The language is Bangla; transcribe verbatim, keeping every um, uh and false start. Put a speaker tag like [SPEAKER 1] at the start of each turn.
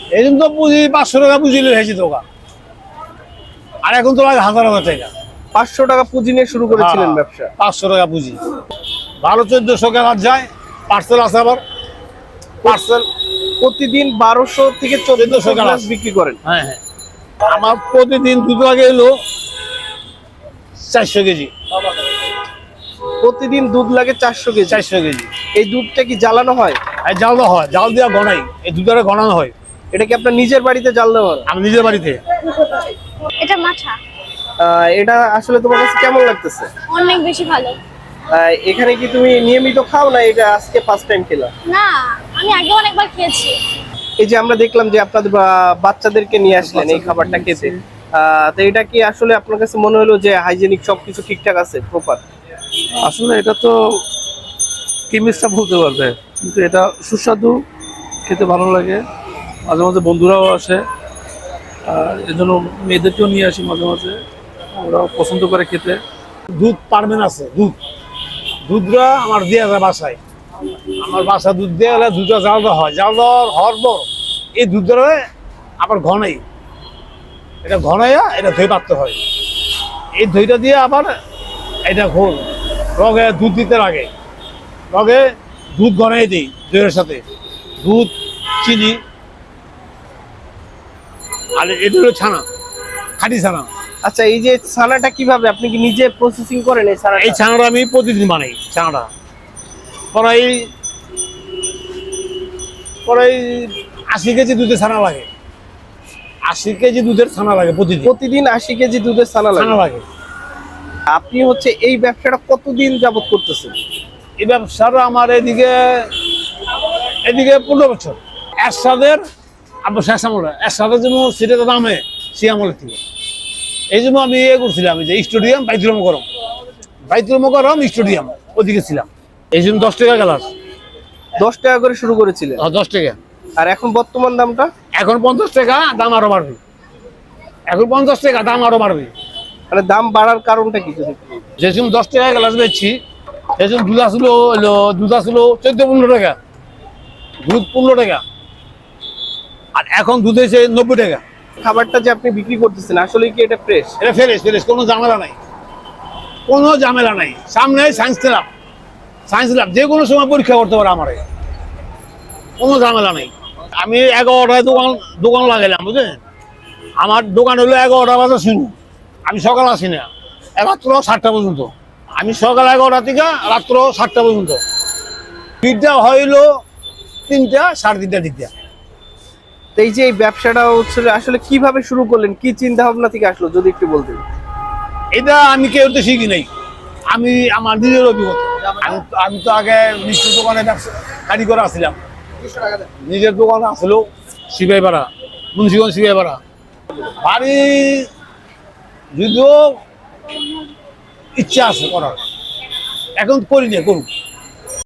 [SPEAKER 1] এই জন্য তো পুঁজি পাঁচশো টাকা পুঁজি হয়েছে দোকান, আর এখন তো লাগে হাজার হাজার টাকা।
[SPEAKER 2] পাঁচশো টাকা পুঁজি নিয়ে শুরু করেছিলেন ব্যবসা?
[SPEAKER 1] পাঁচশো টাকা পুঁজি, বারো চোদ্দশো টাকা যায়। পার্সেল আছে আবার, পার্সেল
[SPEAKER 2] প্রতিদিন বারোশো থেকে চোদ্দশো গ্লাস বিক্রি করেন?
[SPEAKER 1] হ্যাঁ হ্যাঁ, আমার প্রতিদিন দুধ লাগে এলো চারশো কেজি।
[SPEAKER 2] প্রতিদিন দুধ লাগে চারশো কেজি?
[SPEAKER 1] চারশো কেজি।
[SPEAKER 2] এই দুধটা কি জ্বালানো হয়?
[SPEAKER 1] জাল দেওয়া হয়, জাল দেওয়া গনাই, এই দুধটা গনানো হয়।
[SPEAKER 2] এটা কি আপনার নিজের বাড়িতে জাল দেওয়া হয়?
[SPEAKER 1] আমি নিজের বাড়িতে।
[SPEAKER 3] এটা মাঠা।
[SPEAKER 2] এটা আসলে তোমার কাছে কেমন লাগতেছে?
[SPEAKER 3] অনেক বেশি ভালো।
[SPEAKER 2] এখানে কি তুমি নিয়মিত খাও না এটা আজকে ফার্স্ট টাইম খেলা?
[SPEAKER 3] না, আমি আগে অনেকবার খেয়েছি।
[SPEAKER 2] এই যে আমরা দেখলাম যে আপনাদের বাচ্চাদেরকে নিয়ে আসলেন এই খাবারটা খেতে, তো এটা কি আসলে আপনার কাছে মনে হলো যে হাইজেনিক সবকিছু ঠিকঠাক আছে, প্রপার?
[SPEAKER 4] আসলে এটা তো কেমিস্টটা বলতে পারবে, কিন্তু এটা সুস্বাদু, খেতে ভালো লাগে। মাঝে মাঝে বন্ধুরাও আসে, আর এই জন্য মেয়েদেরকেও নিয়ে আসি মাঝে মাঝে, ওরাও পছন্দ করে খেতে।
[SPEAKER 1] দুধ পারবেন আছে, দুধ দুধটা আমার দিয়ে যায় বাসায়। আমার বাসা দুধ দিয়ে গেলে দুধটা জাল দেওয়া হয়, জাল দেওয়ার হওয়ার পর এই দুধটা আবার ঘনাই, এটা ঘনাইয়া এটা দই পাততে হয়। এই দইটা দিয়ে আবার এটা ঘোল রগে দুধ দিতে লাগে, রগে দুধ ঘনাই দিই দইয়ের সাথে, দুধ চিনি, আর এটা হলো ছানা, খাঁটি ছানা।
[SPEAKER 2] আচ্ছা, এই যে ছানাটা কিভাবে আপনি কি নিজে প্রসেসিং করেন? এই ছানাটা
[SPEAKER 1] এই ছানাটা আমি প্রতিদিন বানাই। ছানাটা প্রায় প্রায় আশি কেজি দুধের ছানা লাগে, আশি কেজি দুধের ছানা লাগে প্রতিদিন।
[SPEAKER 2] প্রতিদিন আশি কেজি দুধের ছানা
[SPEAKER 1] ছানা লাগে।
[SPEAKER 2] আপনি হচ্ছে এই ব্যবসাটা কতদিন যাবত করতেছেন?
[SPEAKER 1] এই ব্যবসাটা আমার এদিকে এদিকে পনেরো বছর। এরশাদের আবার শেষ আমলে, এরশাদের জন্য সেটা দামে সে আমলের থেকে, এই জন্য আমি ইয়ে করছিলাম যে স্টেডিয়াম বাইতুল মোকাররম, বাইতুল মোকাররম স্টেডিয়াম ওদিকে ছিলাম। এই জন্য দশ টাকা গ্লাস।
[SPEAKER 2] দশ টাকা করে শুরু করেছিলেন?
[SPEAKER 1] দশ টাকা।
[SPEAKER 2] আর এখন বর্তমান দামটা?
[SPEAKER 1] এখন পঞ্চাশ টাকা, দাম আরো বাড়বে। এখন পঞ্চাশ টাকা, দাম আরো বাড়বে।
[SPEAKER 2] মানে দাম বাড়ার কারণটা কি?
[SPEAKER 1] যে সময় দশ টাকা গ্লাস বেচছি, সেই সময় দুধ আসলো হলো দুধ আসলো চোদ্দ পনেরো টাকা, দুধ পনেরো টাকা, আর এখন দুধ হয়েছে নব্বই টাকা।
[SPEAKER 2] খাবারটা যে আপনি বিক্রি করতেছেন আসলে কি এটা ফ্রেশ?
[SPEAKER 1] এটা ফ্রেশ, ফ্রেশ, কোনো ঝামেলা নাই, কোনো ঝামেলা নাই। সামনে সায়েন্স ল্যাব, সায়েন্স ল্যাব যে কোনো সময় পরীক্ষা করতে পারে আমার, কোনো ঝামেলা নেই। আমি এগারোটায় দোকান দোকান লাগাইলাম, বুঝলেন? আমার দোকান হলো এগারোটা বাজে শুরু, আমি সকাল আসি না, রাত্র সাতটা পর্যন্ত। আমি সকাল এগারোটা থেকে রাত্র সাতটা পর্যন্ত। বিদ্যা হইলো তিনটা সাড়ে তিনটা দিকটা।
[SPEAKER 2] এই যে এই ব্যবসাটা হচ্ছে আসলে কিভাবে শুরু করলেন, কি চিন্তা ভাবনা থেকে আসলো যদি একটু বলতেন?
[SPEAKER 1] এটা আমি কেউ তো শিখি নাই, আমি আমার নিজের অভিজ্ঞতা। আমি আমি তো আগে মিষ্টির দোকানে ব্যবসা কারিগর আসছিলাম, নিজের দোকান আসলো শিবাইপাড়া, মুন্সিগঞ্জ শিবাইপাড়া। বাড়ি যদিও ইচ্ছা আছে করার, এখন করি না, করুন।